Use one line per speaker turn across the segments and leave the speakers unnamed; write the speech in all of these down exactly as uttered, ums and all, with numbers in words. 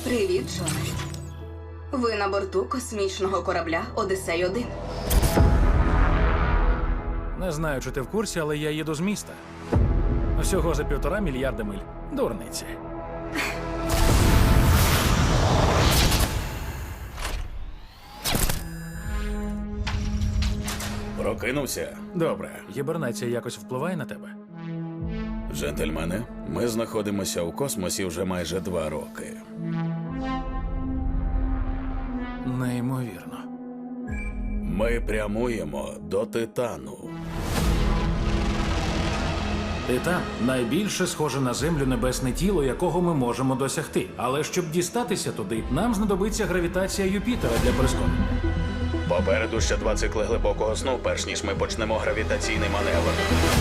Привіт, Джоне. Ви на борту космічного корабля Одіссей один.
Не знаю, чи ти в курсі, але я їду з міста. Всього за півтора мільярда миль. Дурниці.
Прокинувся.
Добре, гібернація якось впливає на тебе?
Джентльмени, ми знаходимося у космосі вже майже два роки.
Неймовірно.
Ми прямуємо до Титану.
Титан – найбільше схоже на Землю небесне тіло, якого ми можемо досягти. Але щоб дістатися туди, нам знадобиться гравітація Юпітера для прискорення.
Попереду ще два цикли глибокого сну, перш ніж ми почнемо гравітаційний маневр.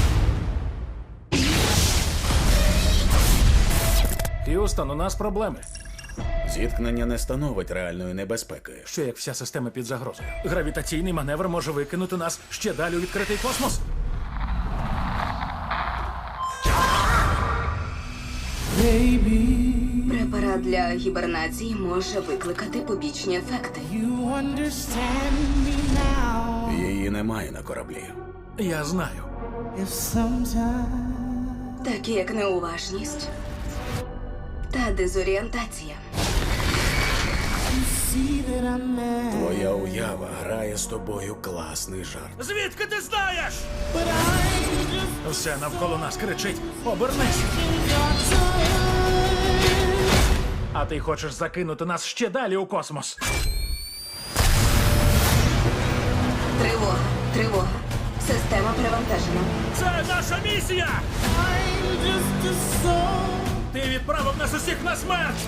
Х'юстон, у нас проблеми.
Зіткнення не становить реальної небезпеки.
Що як вся система під загрозою? Гравітаційний маневр може викинути нас ще далі у відкритий космос?
Препарат для гібернації може викликати побічні ефекти.
Її немає на кораблі.
Я знаю.
Такі як неуважність та дезорієнтація.
Твоя уява грає з тобою класний жарт.
Звідки ти знаєш? Все навколо нас кричить: обернись! А ти хочеш закинути нас ще далі у космос?
Тривога, тривога. Система перевантажена.
Це наша місія! Ти відправив нас усіх на смерть!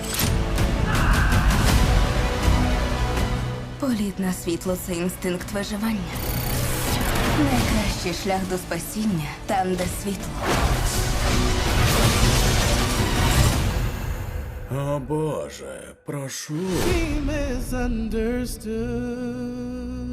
Політ на світло – це інстинкт виживання. Найкращий шлях до спасіння – там, де світло.
О Боже, прошу.
Misunderstood.